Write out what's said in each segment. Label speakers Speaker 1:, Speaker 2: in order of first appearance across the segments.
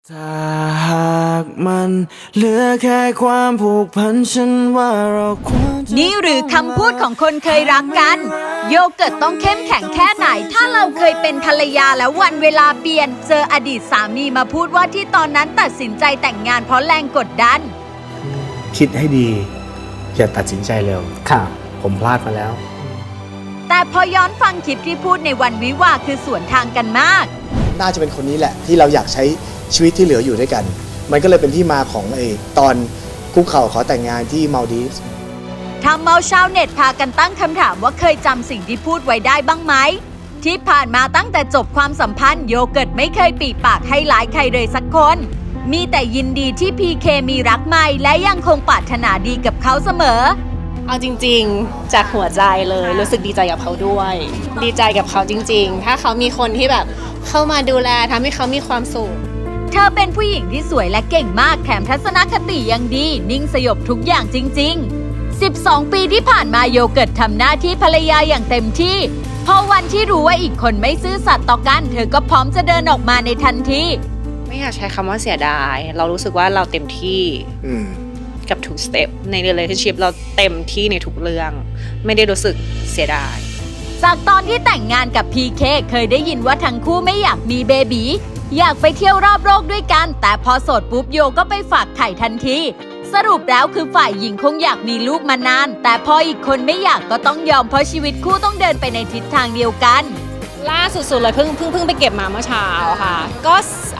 Speaker 1: ถ้าหากมันเหลือแค่ความผูกพันฉันว่าเราควรจะ
Speaker 2: นี่หรือคำพูดของคนเคยรักกัน โยเกิร์ตต้องเข้มแข็งแค่ไหน ถ้าเราเคยเป็นภรรยาแล้ววันเวลาเปลี่ยนเจออดีตสามีมาพูดว่าที่ตอนนั้นตัดสินใจแต่งงานเพราะแรงกดดัน
Speaker 3: คิดให้ดีอย่าตัดสินใจเร็ว
Speaker 4: ครับ
Speaker 3: ผมพลาดมาแล้ว
Speaker 2: แต่พอย้อนฟังคลิปที่พูดในวันวิวาห์คือสวนทางกันมาก
Speaker 5: น่าจะเป็นคนนี้แหละที่เราอยากใช้ชีวิตที่เหลืออยู่ด้วยกัน มันก็เลยเป็นที่มาของตอนคุกเข่าขอแต่งงานที่มาลดีฟส์
Speaker 2: ทำเอาชาวเน็ตพากันตั้งคำถามว่าเคยจำสิ่งที่พูดไว้ได้บ้างไหม ที่ผ่านมาตั้งแต่จบความสัมพันธ์โยเกิร์ตไม่เคยปีปากให้ร้ายใครเลยสักคน มีแต่ยินดีที่พีเคมีรักใหม่และยังคงปรารถนาดีกับเขาเสมอ
Speaker 6: เอาจริงๆจากหัวใจเลยรู้สึกดีใจกับเขาด้วย ดีใจกับเขาจริงๆ ถ้าเขามีคนที่แบบเข้ามาดูแลทำให้เขามีความสุข
Speaker 2: เธอเป็นผู้หญิงที่สวยและเก่งมากแถมทัศนคติยังดี นิ่งสยบทุกอย่างจริงๆ 12 ปีที่ผ่านมาโยเกิร์ตทำหน้าที่ภรรยาอย่างเต็มที่พอวันที่รู้ว่าอีกคนไม่ซื่อสัตย์ต่อกันเธอก็พร้อมจะเดินออกมาในทันที
Speaker 6: ไม่อยากใช้คำว่าเสียดาย เรารู้สึกว่าเราเต็มที่กับทุกสเต็ปใน relationship เราเต็มที่ในทุกเรื่อง ไม่ได้รู้สึกเสียดาย
Speaker 2: จากตอนที่แต่งงานกับพีเคเคยได้ยินว่าทั้งคู่ไม่อยากมีเบบีอยากไปเที่ยวรอบโลกด้วยกันแต่พอโสดปุ๊บโยก็ไปฝากไข่ทันทีสรุปแล้วคือฝ่ายหญิงคงอยากมีลูกมานานแต่พออีกคนไม่อยากก็ต้องยอมเพราะชีวิตคู่ต้องเดินไปในทิศทางเดียวกัน
Speaker 6: ล่าสุดๆเลยเพิ่งไปเก็บมาเมื่อเช้าค่ะ ก็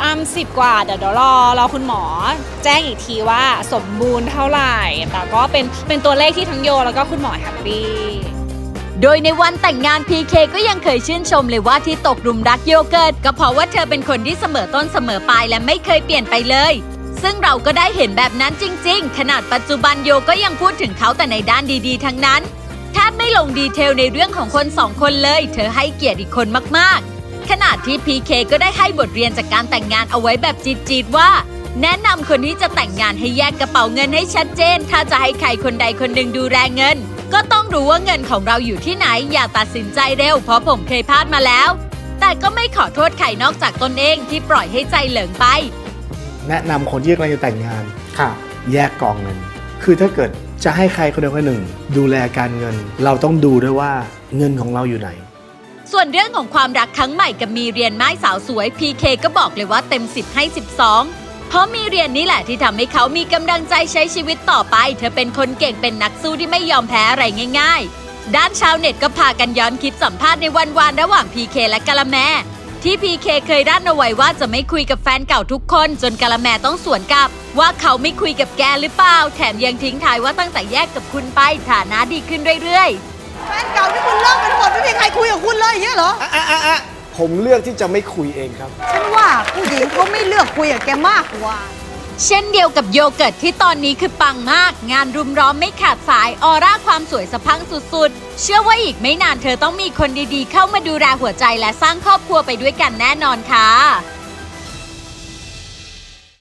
Speaker 6: 10 กว่าเดี๋ยวรอคุณหมอ แจ้งอีกทีว่าสมบูรณ์เท่าไหร่ แต่ก็เป็นตัวเลขที่ทั้งโยแล้วก็คุณหมอแฮปปี้
Speaker 2: โดยในวันแต่งงานพีเคก็ยังเคยชื่นชมเลยว่าที่ตกหลุมรักโยเกิร์ตก็เพราะว่าเธอเป็นคนที่เสมอต้นเสมอปลายและไม่เคยเปลี่ยนไปเลยซึ่งเราก็ได้เห็นแบบนั้นจริงๆขนาดปัจจุบันโยก็ยังพูดถึงเขาแต่ในด้านดีๆทั้งนั้นแทบไม่ลงดีเทลในเรื่องของคนสองคนเลยเธอให้เกียรติอีกคนมากๆขนาดที่พีเคก็ได้ให้บทเรียนจากการแต่งงานเอาไว้แบบจีดๆว่าแนะนำคนที่จะแต่งงานให้แยกกระเป๋าเงินให้ชัดเจนถ้าจะให้ใครคนใดคนหนึ่งดูแลเงินก็ต้องรู้ว่าเงินของเราอยู่ที่ไหนอย่าตัดสินใจเร็วเพราะผมเคยพลาดมาแล้วแต่ก็ไม่ขอโทษใครนอกจากตนเองที่ปล่อยให้ใจเหลิงไป
Speaker 3: แนะนำคนที่กำลังจะแต่งงาน
Speaker 4: ครับ
Speaker 3: แยกกองเงิน คือถ้าเกิดจะให้ใครคนใดคนหนึ่ง ดูแลการเงิน เราต้องดูด้วยว่าเงินของเราอยู่ไหน
Speaker 2: ส่วนเรื่องของความรักครั้งใหม่กับมีเรียนไม้สาวสวยพีเคก็บอกเลยว่าเต็ม10ให้12เพราะมีเรียนนี่แหละที่ทำให้เขามีกำลังใจใช้ชีวิตต่อไปเธอเป็นคนเก่งเป็นนักสู้ที่ไม่ยอมแพ้อะไรง่ายๆด้านชาวเน็ตก็พากันย้อนคลิปสัมภาษณ์ในวันวานระหว่างพีเคและกะละแมที่พีเคเคยด้านเอาไว้ว่าจะไม่คุยกับแฟนเก่าทุกคนจนกะละแมต้องสวนกลับว่าเขาไม่คุยกับแกหรือเปล่าแถมยังทิ้งท้ายว่าตั้งแต่แยกกับคุณไปฐานะดีขึ้นเรื่อยๆ
Speaker 7: แฟนเก่าที่คุณเลิกไปทั้งหมดไม่มีใครคุยกับคุณเลยอย่างเงี้ยเหรอ
Speaker 5: ผมเลือกที่จะไม่คุยเองครับ
Speaker 7: ฉันว่าผู้หญิงเขาไม่เลือกคุยกับแกมากกว่า
Speaker 2: เช่นเดียวกับโยเกิร์ตที่ตอนนี้คือปังมากงานรุมร้อมไม่ขาดสายออร่าความสวยสะพรั่งสุดๆเชื่อว่าอีกไม่นานเธอต้องมีคนดีๆเข้ามาดูแลหัวใจและสร้างครอบครัวไปด้วยกันแน่นอนค่ะ